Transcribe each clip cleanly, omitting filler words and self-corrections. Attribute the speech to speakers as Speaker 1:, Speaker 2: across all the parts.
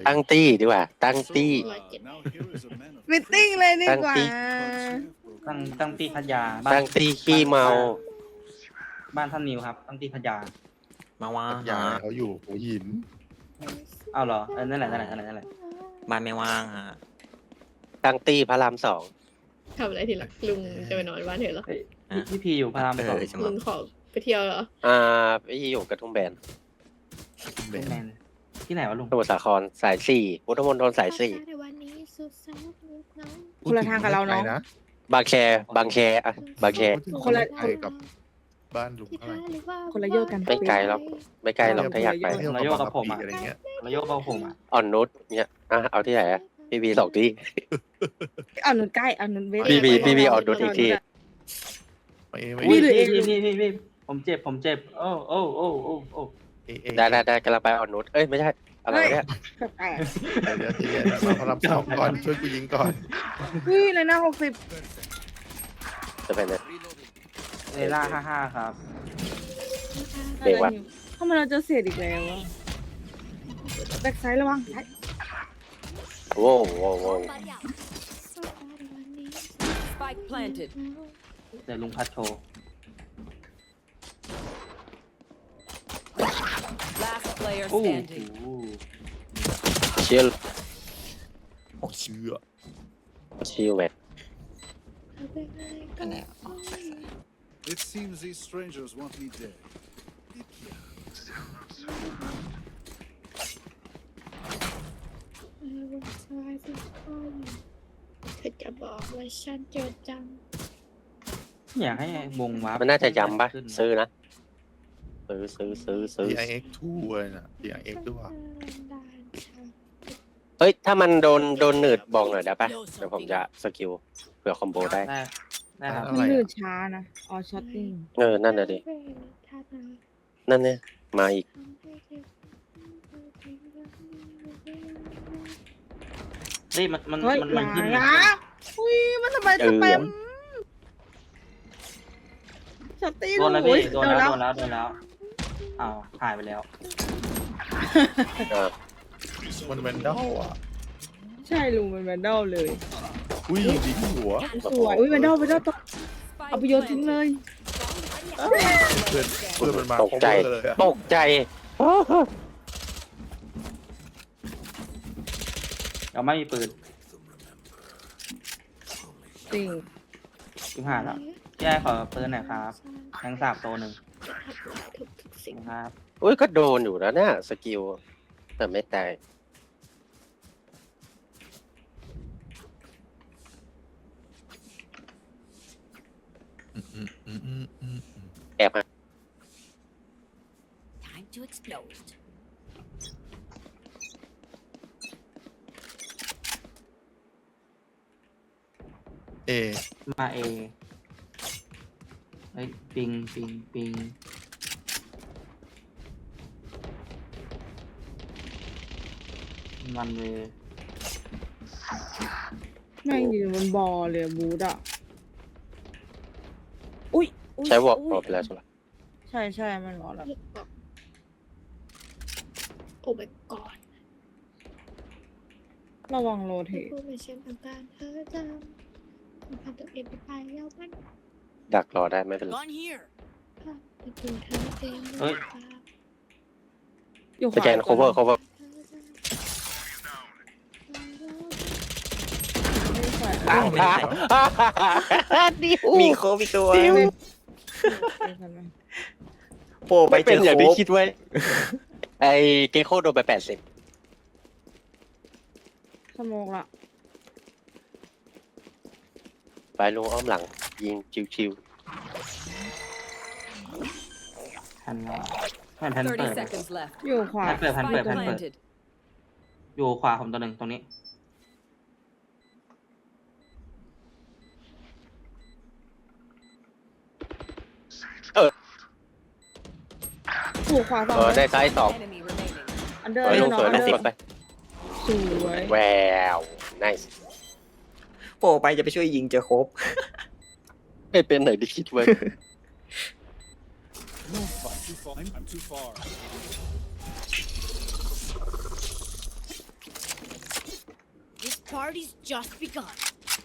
Speaker 1: ตั้งตี้ดีกว่าตั้งตี้
Speaker 2: มิทติ้งเลยดีกว่า
Speaker 3: ตั้งที่พัทยา
Speaker 1: ตั้งตี้ขี้เมา
Speaker 3: บ้านท่านนิวครับตั้งที่พัทยา
Speaker 4: มาว่า
Speaker 5: ปัญญาเขาอยู่หัวหิน
Speaker 3: เอาเหรอนั่นแหละ
Speaker 4: บ้านไม่ว่างฮะ
Speaker 1: ตั้งตี้พระรามสอง
Speaker 6: ทำอะไรทีหลังลุงจะไปนอนบ้านเธอเหรอ
Speaker 3: เฮ้ยพี่พีอยู่พระรามสอง
Speaker 4: ใช่ไหม
Speaker 6: ลุงขอไปเที่ยวเหรอ
Speaker 1: พี่อยู่กระทุ่มแบน
Speaker 5: แบ
Speaker 3: แม
Speaker 5: น
Speaker 3: นที่ไหนวะลุง
Speaker 1: สมุทรสาครสายสี่พุทธมณฑลสายสี่
Speaker 6: ในวันนี้สุดแสนนิดน้อง
Speaker 2: คนละทางกับเราเนาะ
Speaker 5: นะ
Speaker 1: บางแคอะบางแค
Speaker 2: คนละ
Speaker 5: ไกลกับบ้านลุง
Speaker 6: ที่
Speaker 5: เท่าไหร่
Speaker 6: ท้าหรือว่า
Speaker 2: คนละโยกกัน
Speaker 1: ไม่ไกลหรอกไม่ไกลหรอกถ้าอยากไป
Speaker 5: เที่ยวกับผมอะไรเงี้ย
Speaker 3: ระโยกกับผมอ่ะ
Speaker 1: อ่อนนุชเนี่ยเอาที่ไหนอะพี่บีสองที่
Speaker 2: เอาหนุนใกล้เอาหนุนเวท
Speaker 1: พี่เอาดูอีกที
Speaker 5: ไม่
Speaker 2: มีหรือเอง
Speaker 3: พี่ผมเจ็บโอ้
Speaker 1: ได้กำลังไปอ่อนนุชเอ้ยไม่ใช่อะไรวะเนี่ย
Speaker 2: แปลก
Speaker 5: เดี๋ยวทีมาพลังสองก่อนช่วยกูยิงก่อน
Speaker 2: ๆอุ้ยเลยนะ60
Speaker 1: จะเป็นเลย
Speaker 3: เลล่า55ครับ
Speaker 1: เบรกวะ
Speaker 2: ทำไมเราเจอเศษอีกแล้ววะแบ็คไซด์ระวังซ้าย
Speaker 1: โว้ว
Speaker 7: Spike planted.
Speaker 3: เดี๋ยวลุงพัดโชว์
Speaker 7: Last player
Speaker 3: โอ้
Speaker 7: standing.
Speaker 1: เชียร์
Speaker 5: เชื่อ
Speaker 1: ชิลเวท
Speaker 4: อันไหน
Speaker 8: It seems these strangers want me dead.
Speaker 6: เธอจะบอกว่าฉันเจอจัง
Speaker 3: อยากให้วงวาร์ป
Speaker 1: มันน่าจะย้ำปะ
Speaker 3: ขึ้น
Speaker 1: ซื้อนะซื้อ
Speaker 5: DIX2 เลยนะ DIX ด้วย
Speaker 1: เฮ้ยถ้ามันโดนหนืดบอกหน่อยได้ปะเดี๋ยวผมจะสกิลเผื่อคอมโบได้
Speaker 3: ได้ครับ
Speaker 2: มันลื่นช้านะอ๋อช็อตติ้ง
Speaker 1: นั่นน่ะดินั่นเนี่ยมาอีก
Speaker 3: เฮ้ยมัน
Speaker 2: เฮ้ย
Speaker 3: มัน
Speaker 2: ห
Speaker 3: มัน
Speaker 2: นา
Speaker 3: ขึ้น
Speaker 2: นะอุ้ยมันทำไมสแปมช็อตติ้ง
Speaker 3: โดนแล้ว
Speaker 2: โอ้
Speaker 3: พี่
Speaker 2: ย
Speaker 3: โดนแล้วอ้าวหายไปแล้ว
Speaker 5: มันเป็นดอลอ่ะ
Speaker 2: ใช่ลุงมันแวนดอลเลย
Speaker 5: อุ้ยยิงหัว
Speaker 2: สวยอุ้ยแวนดอลตกเอาไปโยนทิ้งเลย
Speaker 5: เพื่อนมันมา
Speaker 1: ตกใจ
Speaker 5: เลยอะ
Speaker 1: ตกใจ
Speaker 3: เราไม่มีปืน
Speaker 2: จริง
Speaker 3: ชิบหายแล้วแย่ขอปืนหน่อยครับแทงสาบโตหนึ่ง
Speaker 6: ทุกสิ่ง
Speaker 3: ครับ
Speaker 1: อุ้ยก็โดนอยู่แล้วเนี่ยสกิลแต่ไม่ตายแอบมา
Speaker 7: Time to explode.
Speaker 5: เอ
Speaker 3: มาเอเฮ้ยปิงมันเลย
Speaker 2: แม่งยืนบนบอลเลยบูดอ่ะอุ้ย
Speaker 1: ใช้วอล์กไปแล้วใช่ไหม
Speaker 2: ใช่มันบอกแล้ว
Speaker 6: โอ้ my god
Speaker 2: ระวังโรเทต
Speaker 6: ผู้เป็นเช่นทางการเธอจำคุณพันตัวเองไปแล้วมัน
Speaker 1: ดักรอได้ไม่เป็นไร
Speaker 7: Gone here.
Speaker 6: เป็นตัวเธอเอง
Speaker 3: เฮ้ย
Speaker 2: อยู่
Speaker 1: สแกน cover
Speaker 2: ไม่ใช่
Speaker 1: ดิว
Speaker 4: มีโควิดตัว
Speaker 1: ดิว
Speaker 4: โปรไป
Speaker 1: ไม่
Speaker 4: เจ
Speaker 1: เป็น
Speaker 4: อ
Speaker 1: อย่าง
Speaker 4: โค
Speaker 1: ที่
Speaker 4: บ
Speaker 1: คิดไว้ไอ้เกโคโดนไป80
Speaker 2: สโมกละ
Speaker 1: ไปลงอ้อมหลัง ยิงชิว
Speaker 3: แผ่นเปิด
Speaker 7: 30 seconds left.
Speaker 2: อยู่ขวา
Speaker 3: แผ่นเปิด
Speaker 7: Spike planted.
Speaker 3: อยู่ขวาผมตัวหนึ่งตรงนี้
Speaker 2: ถูกขวาสอง
Speaker 1: ได้ซ้ายสอง
Speaker 7: Enemy remaining.
Speaker 2: อันเดอร์
Speaker 1: เฮ้ยลงสวย
Speaker 2: อั
Speaker 1: นะ
Speaker 2: นเดอ
Speaker 1: ก
Speaker 2: ร์
Speaker 1: ดไป
Speaker 2: สวย
Speaker 1: แวว nice
Speaker 4: โปรไปจะไปช่วยยิงเจอโคบ
Speaker 1: ไม่เป็นไหนที่คิดไว้
Speaker 8: I'm too far.
Speaker 7: party's just begun.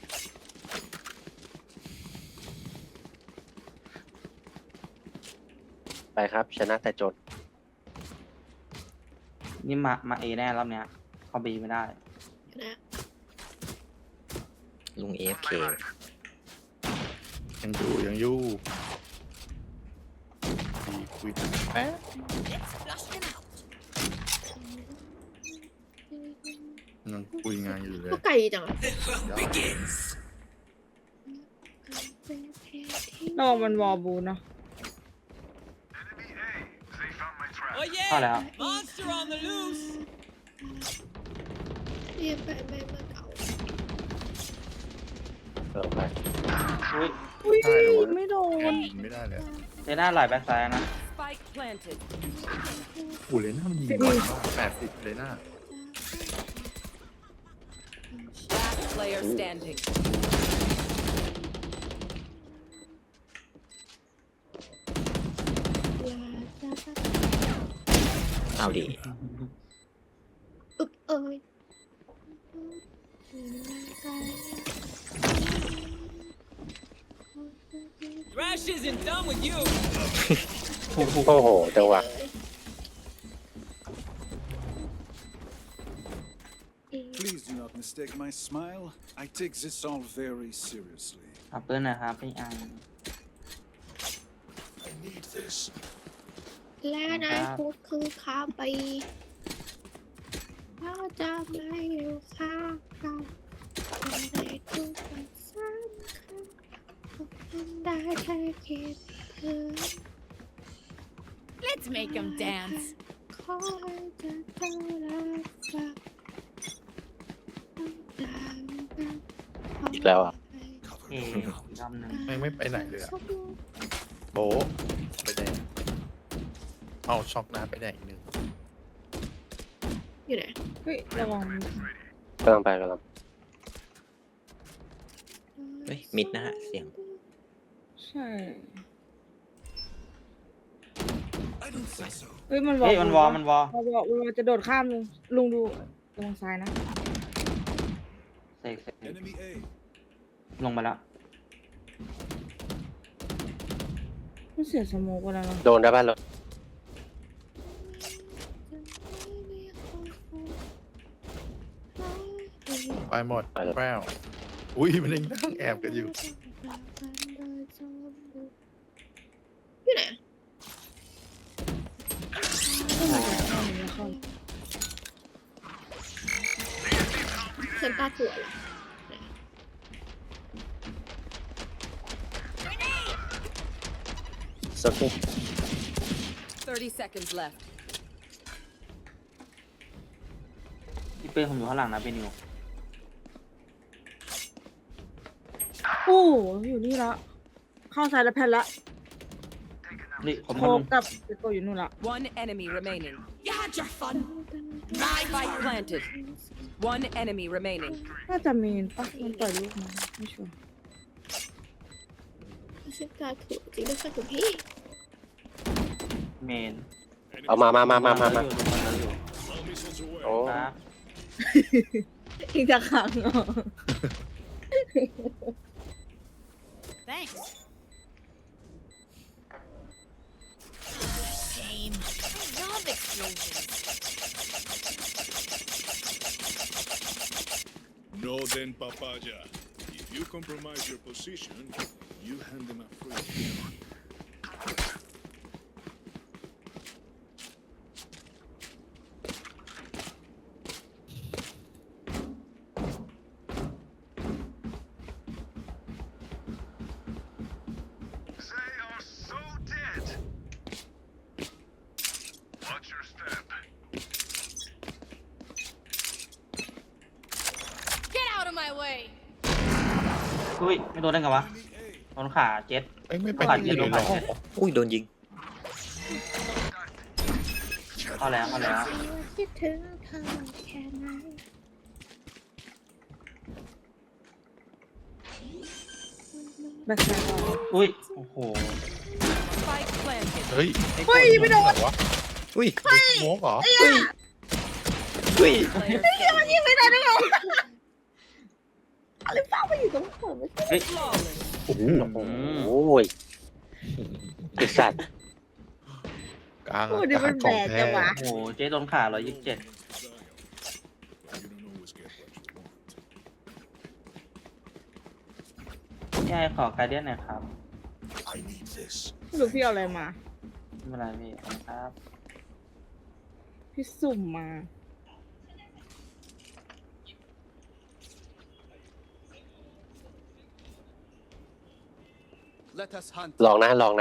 Speaker 1: ไปครับ ชนะแต่จน
Speaker 3: นี่มาเอแน่รอบเนี้ยเข้าบีไม่ได้
Speaker 6: นะ
Speaker 4: ลุง AFK
Speaker 5: ยังอยู่ดีคุยแป๊ะ
Speaker 7: Let's flush them out.
Speaker 5: ยังคุยงานอยู่เลย
Speaker 6: ก็ไกลจังอะ
Speaker 2: ระวังมันวอลบูเนาะ
Speaker 3: เข้าแล้ว
Speaker 7: Monster on the loose.
Speaker 6: เรียนไปไม่มาเก่า
Speaker 1: ไป
Speaker 3: อุ้ย
Speaker 2: อุ้ย
Speaker 5: ใช่เหรอวะ
Speaker 2: ไม่โดน
Speaker 5: ยิงไม่ได้เลย
Speaker 3: เจน่าไหลแบ็คซ้ายนะ
Speaker 7: Spike planted.
Speaker 5: โอ้เลน่ามันยิงไวมาก80เลน่า
Speaker 7: Last player standing.
Speaker 4: เอาดิ
Speaker 6: อึกเอ้ย
Speaker 7: Thrash isn't done with you.
Speaker 1: โอ้โหจังหวะ
Speaker 8: Please do not mistake my smile. I take this all very seriously.
Speaker 3: เอาปืนหน่อยครับพี่อัง
Speaker 6: และนะพูดคือข้าไปเราจะไม่อยู่ข้างกันในทุกวันสำคัญฉันได้แค่คิดถึง
Speaker 7: Let's make them dance.
Speaker 6: ขอให้เธอต้องรักษา
Speaker 1: อีกแล้วอ่ะ
Speaker 3: เอรอบหนึ่ง
Speaker 5: ไม่ไปไหนเลยอะโบะไปไหนเอาช็อกน้ำไปไหนอีกหนึ่ง
Speaker 6: อยู่ไหน
Speaker 2: เฮ้ยระวัง
Speaker 1: กำลังไปกำลัง
Speaker 4: เฮ้ย มิดนะฮะ เสียง
Speaker 2: ใช่
Speaker 8: I don't think so.
Speaker 2: เฮ้ยมันวอล
Speaker 3: เฮ้ยมันวอ
Speaker 2: มันวอลจะโดดข้ามลุงดูระวังซ้ายนะ
Speaker 3: เสก
Speaker 8: Enemy A.
Speaker 3: ลงไปแล้ว
Speaker 2: มันเสียสโมกไปแล้วเนาะ
Speaker 1: โดนได้ป่ะรถ
Speaker 5: ไปหมดแป้วอุ้ยมันยังนั่งแอบกันอยู่
Speaker 6: อยู่ไหน ฉันตาถั่วเหรอ
Speaker 1: โอเค
Speaker 7: 30 seconds left.
Speaker 3: พี่ปืนผมอยู่ข้างหลังนะพี่นิว
Speaker 2: โอ้โหอยู่นี่ละเข้าซ้ายแล้วแพนละ
Speaker 3: นี่ผม
Speaker 2: โค
Speaker 3: มาลง
Speaker 2: กับเปโกอยู่นู่นละ
Speaker 7: One enemy remaining. You had your fun. Spike planted. One enemy remaining.
Speaker 2: น่าจะมีนปะมันปล่อยลูกมาไม่ชัวร์
Speaker 6: ฉันตาถั่วจริงด้วยค่ะคุณพี่
Speaker 3: เมน
Speaker 1: เอามา
Speaker 3: อยู่
Speaker 1: โอ้
Speaker 3: ครับ
Speaker 2: อีกจะขังเหรอ
Speaker 7: Thanks. Shame. I love explosions.
Speaker 9: No, then, papaya. If you compromise your position, you hand them a free.
Speaker 10: They are so dead. Watch your step.
Speaker 7: Get out of my way.
Speaker 3: อุ้ยไม่โดนได้ไงวะโดนขาเจ็ด
Speaker 5: เอ้ยไม่ไป
Speaker 3: ผ่าน
Speaker 5: ที่
Speaker 3: เจ็ด
Speaker 5: เล
Speaker 3: ล
Speaker 5: ย
Speaker 3: ง
Speaker 5: เหร
Speaker 3: มา
Speaker 5: อ
Speaker 4: อุ้ย โดนยิง
Speaker 3: เข้าแล้ว
Speaker 6: คิดถึงเธอแค่ไหน
Speaker 2: แบ็คซ้ายก่อน
Speaker 3: อุ้ยโอ้โห
Speaker 7: Spike planted.
Speaker 5: เฮ้ย
Speaker 2: เฮ้ยไม่โดน
Speaker 5: วะ
Speaker 4: อุ้ย
Speaker 5: โมกเหรอ
Speaker 4: อุ้ย
Speaker 7: Player standing.
Speaker 2: ยิงไม่ได้ได้ไงอะไรฟ้ามาอยู่ตรงหัวไม่ใช่
Speaker 3: เฮ้ย
Speaker 1: โอ้ยไอสัตว์
Speaker 5: กลาง
Speaker 2: โอ้
Speaker 5: อา
Speaker 2: ดิ
Speaker 5: กา
Speaker 2: มั
Speaker 5: ศ
Speaker 2: น
Speaker 5: ข
Speaker 2: แบ
Speaker 5: อง
Speaker 2: ก
Speaker 5: แท้
Speaker 2: จังวะ
Speaker 3: โอ้โหเจ๊โดนขา127
Speaker 9: You don't always get what you want.
Speaker 3: พี่ไอ้ขอการเดียนหน่อยครับ
Speaker 10: I need this.
Speaker 2: ไม่รู้พี่เอาอะไรมา
Speaker 3: ไม่เป็นไรพี่ขอบคุณครับ
Speaker 2: พี่สุ่มมา
Speaker 8: Let us hunt.
Speaker 1: ลองนะลอง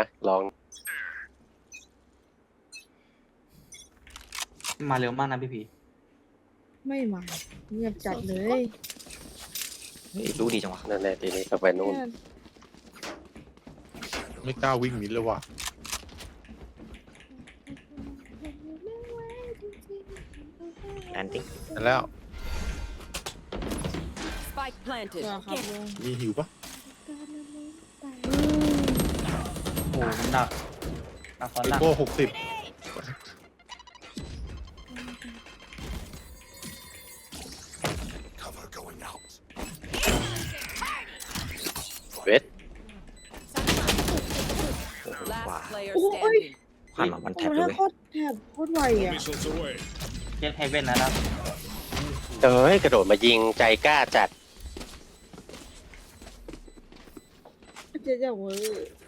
Speaker 3: มาเร็วมากนะพี่พี
Speaker 2: ไม่มาเงียบจัดเลย
Speaker 4: เฮ้ยรู้ดีจังวะ
Speaker 1: นั่นแหละทีนี้ก็ไปนู่น
Speaker 5: ไม่กล้าวิ่งมิดเลยว่ะ
Speaker 4: แอนติ้ง
Speaker 5: นั่นแล้ว
Speaker 7: Spike planted.
Speaker 2: ตัวครับลุง
Speaker 5: มีหิวปะ
Speaker 3: โอ้โหมันดักคอน
Speaker 5: ไอ
Speaker 3: ดัก
Speaker 5: โก้60
Speaker 10: Cover going out.
Speaker 1: เวท
Speaker 7: Last player
Speaker 2: Oh,
Speaker 7: standing.
Speaker 4: ผ่านมาวันแท็บ
Speaker 2: โอ้
Speaker 4: เลย
Speaker 2: โหโคตรแถบโคตรไวอ่ะ
Speaker 9: Missiles away.
Speaker 3: เจ็ดเฮเว่นนะครับ
Speaker 1: เอ้ยกระโดดมายิงใจกล้าจัด
Speaker 2: เจ๊จะเวอร์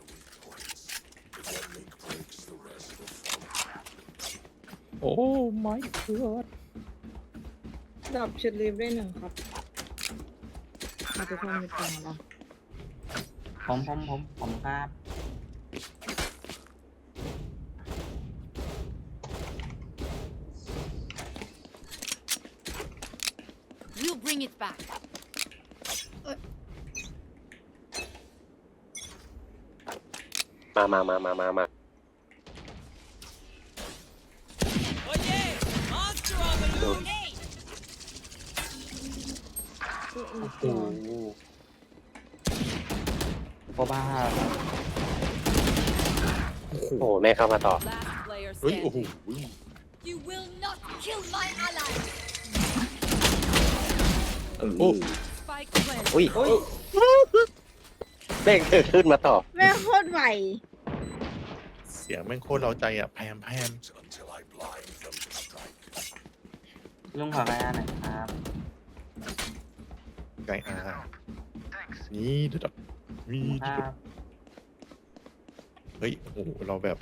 Speaker 5: โอ้ไม่เกิด
Speaker 2: ดับเชดลีฟได้1ครับมาจะทำในกล่องเหรอ
Speaker 3: ผมครับ
Speaker 6: We'll bring it back.
Speaker 1: มา
Speaker 3: โอ้โหโคบ้าครับ
Speaker 1: โอ้แม่เข้ามาต่อ
Speaker 7: Last player
Speaker 5: เฮ้ยโอ้โห
Speaker 7: standing.
Speaker 6: You will not kill my ally.
Speaker 5: โอ้
Speaker 7: Spike planted.
Speaker 4: อุ้ย
Speaker 1: แม่งเกิดขึ้นมาต่อ
Speaker 2: แม่งโคตรไว
Speaker 5: เสียงแม่งโคตรเราใจอ่ะแพม
Speaker 10: Until I blind them to strike.
Speaker 3: ลุงขอการหน่อยครับ
Speaker 5: ไก่อานี่เด็ดมี
Speaker 3: ครับ
Speaker 5: เฮ้ยโอ้โหเราแบบ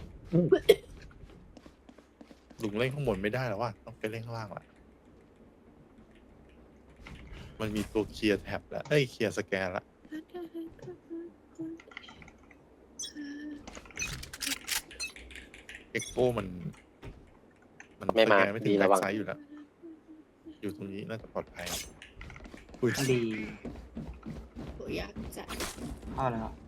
Speaker 5: ลุงเล่นข้างบนไม่ได้แล้วว่ะต้องไปเล่นข้างล่างละมันมีตัวเคลียร์แท็บแล้วเคลียร์สแกนละเอ็กโก้มัน
Speaker 1: ไม่มา
Speaker 5: สแกนไม่ถึง
Speaker 1: ดี
Speaker 5: แบ็
Speaker 1: ระ
Speaker 5: ค
Speaker 1: วัง
Speaker 5: ไซด์อยู่แล้ว อยู่ตรงนี้น่าจะปลอดภัยอุ้ย
Speaker 3: ดี
Speaker 6: อยากจะ
Speaker 3: เข้าเลยครับ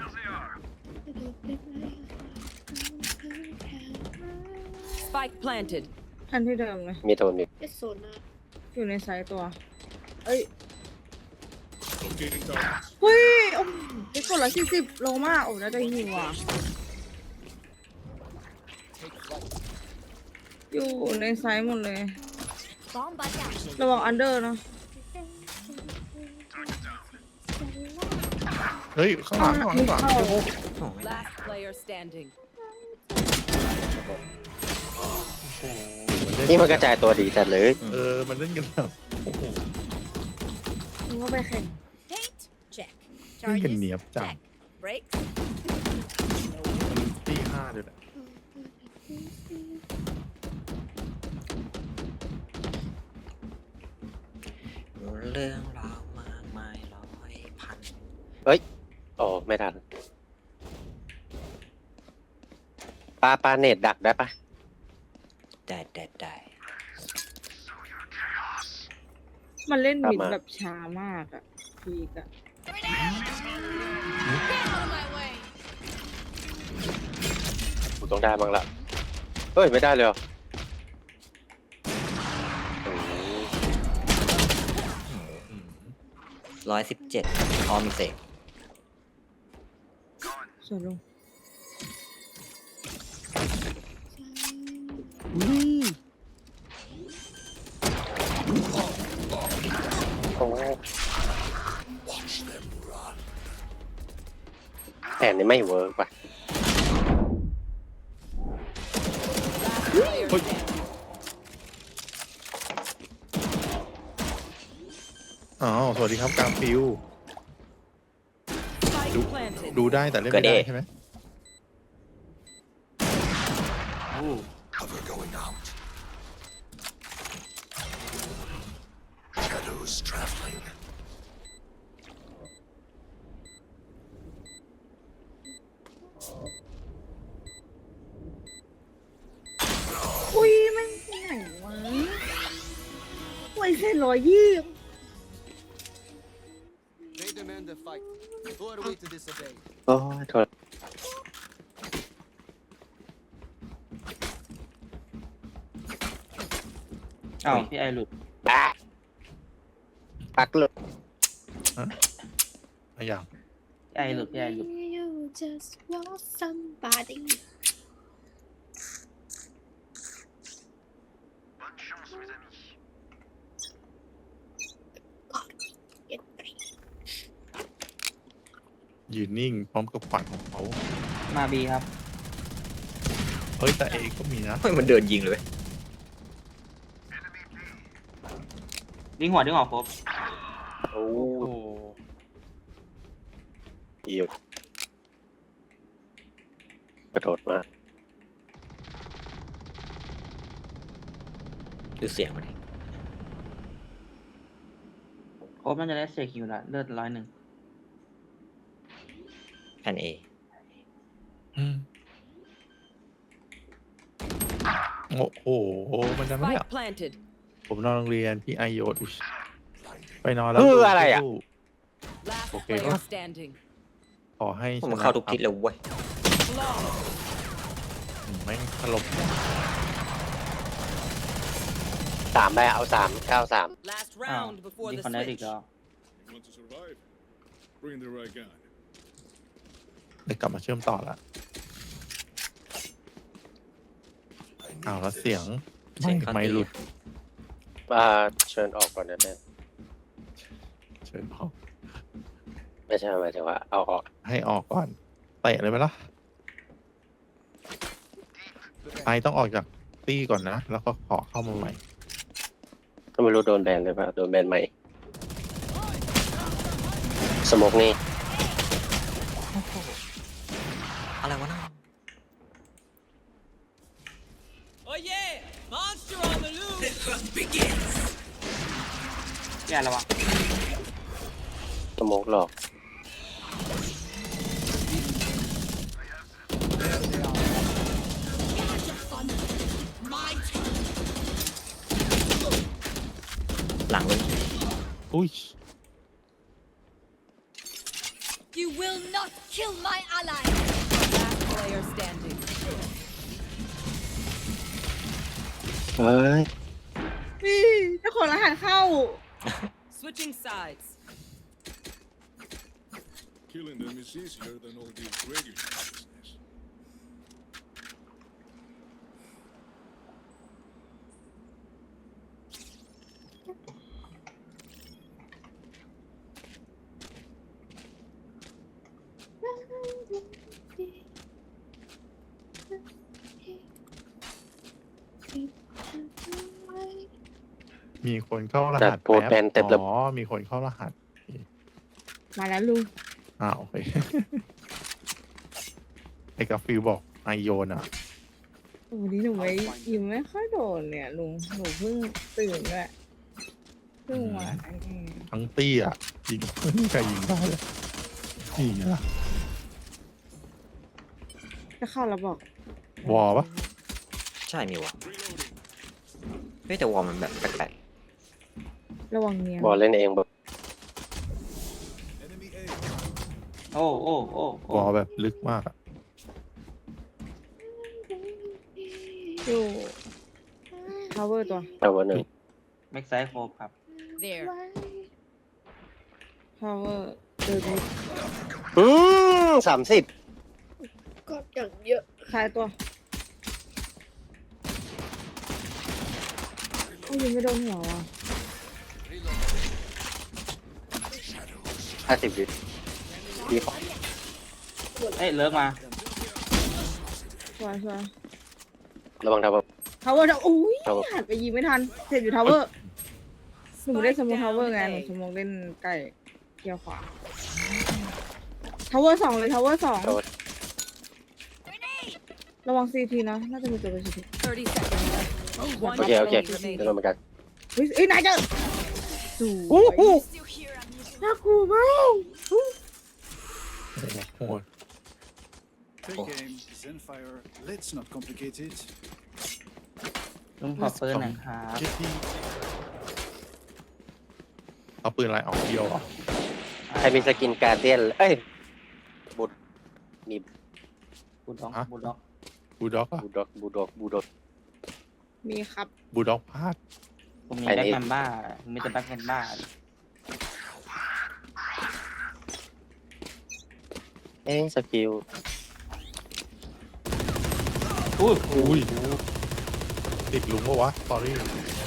Speaker 7: Spike planted.
Speaker 2: ทันที่เดิมเลย
Speaker 1: มีโทนมี
Speaker 6: เป็นโซน่า
Speaker 2: อยู่ในไซต์ตัว เอ้ย
Speaker 9: Locating targets.
Speaker 2: เฮ้ยโอ้โหไปกด140โลมากโอ้น่าจะหิวอ่ะ อยู่ในไซต์หมดเลย
Speaker 6: Bomb buddy.
Speaker 2: ระวังอันเดอร์นะ
Speaker 5: เฮ้ยข้างหลังข้างหลังข้างหลัง
Speaker 2: เข้า
Speaker 5: โอ้โห
Speaker 4: โอ้ไม่ได้
Speaker 7: Last player standing.
Speaker 1: นี่มันกระจายตัวดีจัดเลย
Speaker 5: มันเล่นกันแบบโอ้โห
Speaker 2: มึงก็ไปแข่ง
Speaker 6: Paint. Check.
Speaker 5: เล่นกันเนียบจัง
Speaker 6: Check. Brakes.
Speaker 5: มันตี5เลยแหละ
Speaker 4: เรื่องราวมากมายร้อยพัน
Speaker 1: โอ้ไม่ทันปลาเน็ตดักได้ปะ
Speaker 4: ได้
Speaker 2: มันเล่นมิด
Speaker 1: กลับมา
Speaker 2: แบบช้ามากอ่ะพีกอ่ะ
Speaker 1: กูต้องได้บ้างละเฮ้ยไม่ได้เลยเหรอ
Speaker 4: 117ออมเสก
Speaker 2: ส่วนลง
Speaker 1: โอ้แผนนี้ไม่เวิร์กว่ะ
Speaker 7: Player standing.
Speaker 5: อ๋อสวัสดีครับกาฟิว
Speaker 7: Spike planted.
Speaker 5: ดูได้แต่เล่นไม่ได้ใช่ไหม
Speaker 3: โอ้
Speaker 10: Cover going out. Shadows traveling.
Speaker 2: อุ้ยมันไหนวะไว้เส้น120
Speaker 11: They demand a fight. Who are we to disobey?
Speaker 1: โอ้ยโทษ
Speaker 3: อ้าวพี่ไอหลุด
Speaker 1: อ่ะปักหลุด
Speaker 5: อะไรอย่าง
Speaker 3: พี่ไอหลุดพี่ไอหลุด
Speaker 6: You just want somebody. God, get ready.
Speaker 5: ยืนนิ่งพร้อมกับขวานของเขา
Speaker 3: มาบีครับ
Speaker 5: เฮ้ยแต่เอก็มีนะ
Speaker 4: เฮ้ยมันเดินยิงเลยเว้ย
Speaker 3: ดิ้งหัวครบ
Speaker 1: โอ้
Speaker 3: โอ้
Speaker 1: ยิวกระโดดมาก
Speaker 4: ดูเสียงมันดิ
Speaker 3: ครบมันจะได้เสกคิวละเลือด101
Speaker 4: แผนเอ
Speaker 5: โอ้โหมันจะไม่
Speaker 7: Spike planted.
Speaker 5: ผมนอนโรงเรียนพี่ไอโยดอุ๊ย
Speaker 10: Blinding.
Speaker 5: ไปนอนแล้ว
Speaker 1: อะไรอ่ะ
Speaker 7: Last
Speaker 5: Okay.
Speaker 7: player standing.
Speaker 5: ขอให้
Speaker 4: ผมเข้าทุกทิศเลยเว้ย
Speaker 7: Flawless.
Speaker 5: ไม่ถล่ม
Speaker 1: 3ไปเอา3 9 3
Speaker 7: Last
Speaker 3: อ้าว
Speaker 7: round before
Speaker 3: ยิง
Speaker 7: the
Speaker 3: คอนได้อีก
Speaker 7: switch.
Speaker 3: แล้ว
Speaker 9: You want to survive? Bring the right gun.
Speaker 5: ได้กลับมาเชื่อมต่อละ
Speaker 10: I
Speaker 5: อ้าว
Speaker 10: need
Speaker 5: แล้ว
Speaker 10: this.
Speaker 5: เสียง
Speaker 4: เสียงเข้า
Speaker 5: ไม่
Speaker 4: ตี
Speaker 5: หลุด
Speaker 1: เชิญออกก่อนนะเนี่ย
Speaker 5: เชิญออก
Speaker 1: ไม่ใช่หมายถึงว่าเอาออก
Speaker 5: ให้ออกก่อนเตะเลยไหมล่ะไอต้องออกจากตี้ก่อนนะ แล้วก็ขอเข้ามาใหม่
Speaker 1: ก็ไม่รู้โดนแบนเลยป่ะโดนแบนใหม่สโมกนี่
Speaker 4: อะไรวะน่า
Speaker 7: Oh yeah! Monster on the loose!
Speaker 3: พี่ไอระวัง
Speaker 1: สโมกหลอก
Speaker 4: หลังเลย
Speaker 5: อุ้ย
Speaker 6: You will not kill my ally.
Speaker 7: Last player standing.
Speaker 1: เฮ้ย
Speaker 2: นี่เจ้าของรหัสเข้า
Speaker 7: Switching sides.
Speaker 9: Killing them is easier than all this regular business.
Speaker 6: Thank
Speaker 5: มีคนเข้าร
Speaker 1: จั
Speaker 5: หั
Speaker 1: ด
Speaker 5: ส
Speaker 1: โพสต์แบนเต็มระบบ
Speaker 5: อ๋อมีคนเข้ารหัส
Speaker 2: มาแล้วลุง
Speaker 5: โอเค ไอ้กาฟิลบอกไอโยนอ่ะ
Speaker 2: โอ้นี่หนูไม่ยิ้มไม่ค่อยโดนเนี่ยลุงหนูเพิ่งตื่นด้วยเพิ่งมาอันนี้
Speaker 5: ทั้งตี้อ่ะยิงไม่มีใครยิงได้เลยนี่ไงล่ะ
Speaker 2: จะเข้าแล้วบอก
Speaker 5: วอลปะ
Speaker 4: ใช่มีวะเฮ้ยแต่วอลมันแบบแปลก
Speaker 2: ระวังเนีย
Speaker 1: บอลเล่นเองแบบ
Speaker 9: Enemy A.
Speaker 3: โอ้โอ้โอ้โอ้
Speaker 5: วอลแบบลึกมากอ่ะ
Speaker 2: อยู่ power ตัว
Speaker 1: เอาวันหนึ่ง
Speaker 3: แม็กไซด์โครบครับ
Speaker 7: There.
Speaker 2: power เดินไป
Speaker 1: 30
Speaker 6: ก็อย่างเยอะ
Speaker 2: คลายตัวโอ้ยยังไม่โดนหัวว่ะ
Speaker 1: 50 วิดีของ
Speaker 6: โห
Speaker 3: เอ้ยเลิกมา
Speaker 2: สวยสวย
Speaker 1: ระวังทาวเวอร์
Speaker 2: ทาวเวอร์อุ้ย
Speaker 1: ทาวเวอร์
Speaker 2: หันไปยิงไม่ทันเจ็บอยู่ทาวเวอร์หนูไม่ได้สโมองทาวเวอร์ไงหนูสโมองเล่นใกล้เกียวขวาทาวเวอร์สองเลยทาวเวอร์สอง
Speaker 1: โดน
Speaker 2: ระวังซีทีนะน่าจะมีตัวเป็นซีที
Speaker 7: 30 seconds left. One
Speaker 1: โอเคโอเค
Speaker 7: enemy
Speaker 1: เดี๋ยว
Speaker 7: remaining.
Speaker 1: เหมือนกัน
Speaker 2: เฮ้ยนายเจอสวย
Speaker 1: โอ้โห
Speaker 2: น่ากลัวมาก
Speaker 5: โอ้โห
Speaker 8: Take aim, Zenfire. Let's not complicate it.
Speaker 3: ลุงขอปืนหน่อยครับ
Speaker 5: เจ็ดที่เอาปืนอะไรออกเดียวเหรอ
Speaker 1: ใครมีสกินการเดียนเอ้ยบุดมี
Speaker 3: บูด็อกบูด็อก
Speaker 5: บูด็อกอะ
Speaker 1: บูดอกบูดอกบูดอก
Speaker 2: มีครับ
Speaker 5: บูด็อกพลาด
Speaker 3: ผมมี
Speaker 1: อัน
Speaker 3: แบ็ค
Speaker 1: นี้
Speaker 3: แมนบ้าผมมีแต่แบ็คแมนบ้า
Speaker 1: เอ้ยสกิล
Speaker 3: อุ้ย
Speaker 5: อุ้ยติดหลุมปะวะสอรี่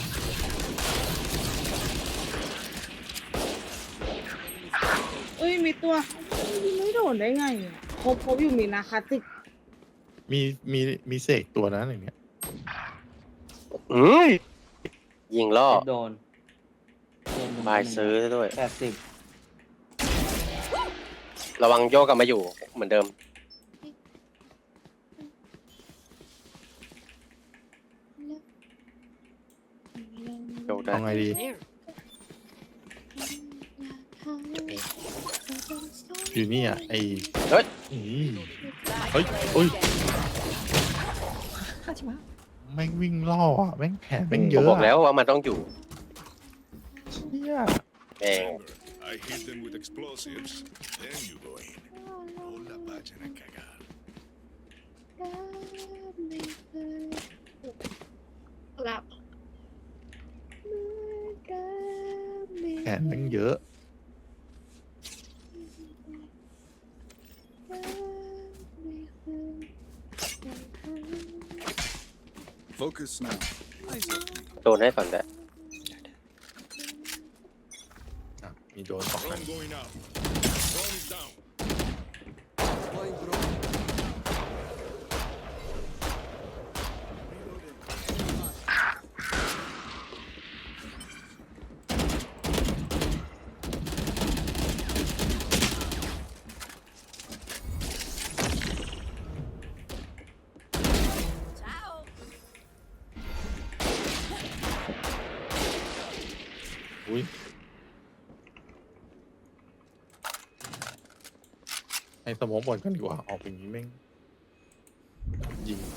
Speaker 2: เอ้ยมีตัวยิงไม่โดนได้ไงอะครบอยู่มีนาคาติก
Speaker 5: มีเสกตัวนั้นอย่างเนี้ย
Speaker 1: ยิงล่อ
Speaker 3: โดน
Speaker 1: บายซื้อซะด้วย
Speaker 3: 80
Speaker 1: ระวังโยกกลับมาอยู่เหมือนเดิม โยกได้
Speaker 5: เอาไงดี อยู่นี่อ่ะไอ
Speaker 1: เฮ้ย
Speaker 5: อืม
Speaker 7: Last
Speaker 5: Ôi,
Speaker 7: player
Speaker 5: ôi.
Speaker 7: standing.
Speaker 5: แม่งวิ่งล่ออ่ะแม่งแผนแม่งเย
Speaker 1: ผม
Speaker 5: อะ
Speaker 1: บอกแล้วว่ามันต้องอยู่
Speaker 5: เนี่ย
Speaker 1: เอง
Speaker 9: I hit them with explosives. Then you go in. No la vayan a cagar.
Speaker 6: หลับ
Speaker 5: แผนแม่งเยอะ
Speaker 8: Focus now.
Speaker 1: โดนให้ก่อนแต่
Speaker 5: อ่ะมีโดนสองอัน
Speaker 9: Drone going out. Drone is down.
Speaker 11: Deploying drone.
Speaker 7: Ciao.
Speaker 5: อุ้ยให้สมองบอลกันดีกว่าออกอย่างนี้แม่งยิง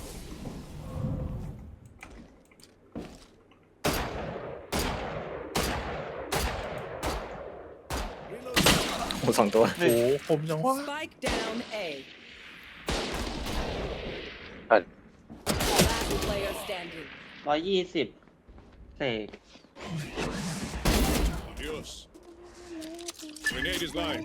Speaker 4: โอ้สองตัว
Speaker 5: โอ้โหคมจังวะ
Speaker 7: Spike down A.
Speaker 1: Ah.
Speaker 7: Last player standing.
Speaker 3: 120 เสก
Speaker 9: Adios. Grenade is live.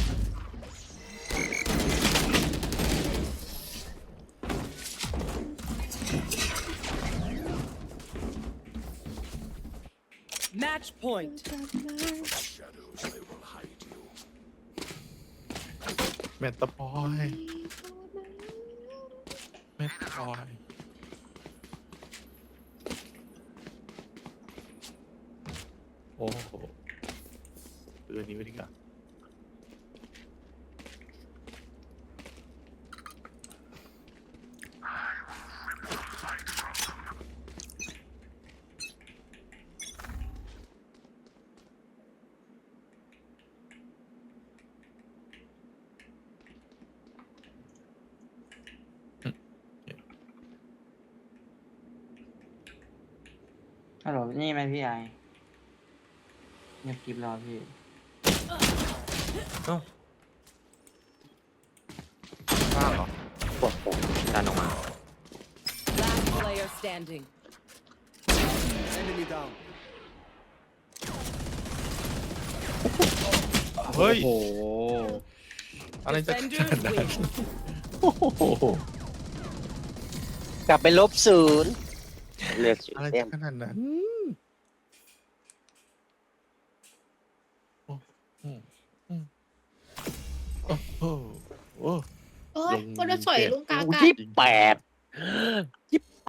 Speaker 7: Match point.
Speaker 10: Shadows, they will hide you.
Speaker 5: แมตตาพอยแมตตาพอยโอ้โหเตือนนี้ไว้ดีกว่า
Speaker 3: ฮัลโหลนี่ไหมพี่ไอเงียบกริบรอพี่
Speaker 5: ข้างเหรอ
Speaker 1: โอ้โห
Speaker 4: ดันออกมา
Speaker 7: Last player standing.
Speaker 11: Enemy down.
Speaker 5: เฮ้ย
Speaker 4: โอ้โห
Speaker 5: อะไรจะข
Speaker 7: Defenders
Speaker 5: นาดนั้น
Speaker 7: win.
Speaker 5: โอ้โห
Speaker 1: กลับไปลบศูนย์เลือกศูน
Speaker 5: อะไร
Speaker 1: ย์เต็
Speaker 5: จะ
Speaker 1: ม
Speaker 5: ขนาดนั้นโอ้โหโอ้โหโอ้
Speaker 6: แล้วสวยลุงกา
Speaker 1: โอ้
Speaker 6: กา
Speaker 1: ยี่แปดยี่